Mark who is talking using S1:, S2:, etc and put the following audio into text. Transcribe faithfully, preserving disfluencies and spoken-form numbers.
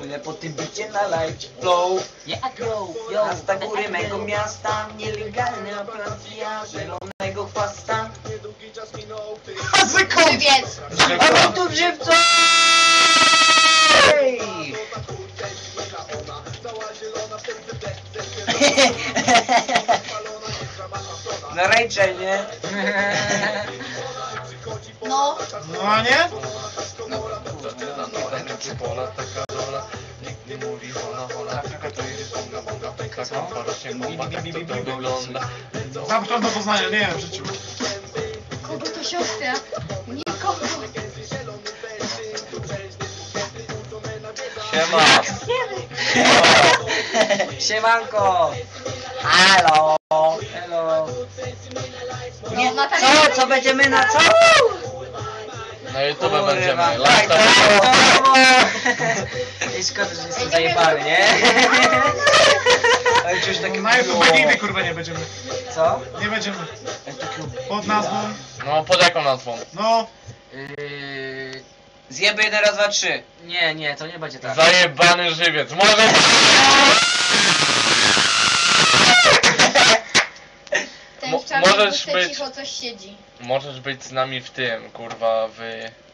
S1: Płynę po tym bicie na light flow.
S2: Yeah, yo, yo.
S1: Miasta góry mego miasta, nielegalna operacja zielonego chwasta.
S3: Żywiec!
S1: A tu w żywcu! Hej! No Rachel, nie?
S3: No,
S4: No a nie?
S5: Pola, taka dola, nikt nie mówi hola, hola, to jest bonga, bonga, pęka, kompa, rośnie bomba, tak to to wygląda.
S4: Zamknąłem do Poznania, nie wiem w życiu.
S3: kogo to siostra? Nikogo.
S5: Siema!
S1: Siemanko! Halo! Hello! Nie,
S3: No, Natalia,
S1: co? Co będziemy na co?
S5: Na YouTube
S1: Kurwa,
S5: będziemy,
S1: tak,
S5: lata.
S1: I szkoda, że jestem zajebany, nie? Ale już takie
S4: Na YouTube nigdy kurwa nie będziemy.
S1: Co?
S4: Nie będziemy.
S1: Ale takie...
S4: Pod nazwą.
S5: No, pod jaką nazwą?
S4: No.
S2: Yy,
S1: Zjeby jeden, raz, dwa, trzy.
S2: nie, nie, to nie będzie tak.
S5: Zajebany żywiec, może...
S3: Ten
S5: Mo-
S3: w czarnym
S5: możesz
S3: busce
S5: być-
S3: cicho coś siedzi.
S5: Możesz być z nami w tym, kurwa, w...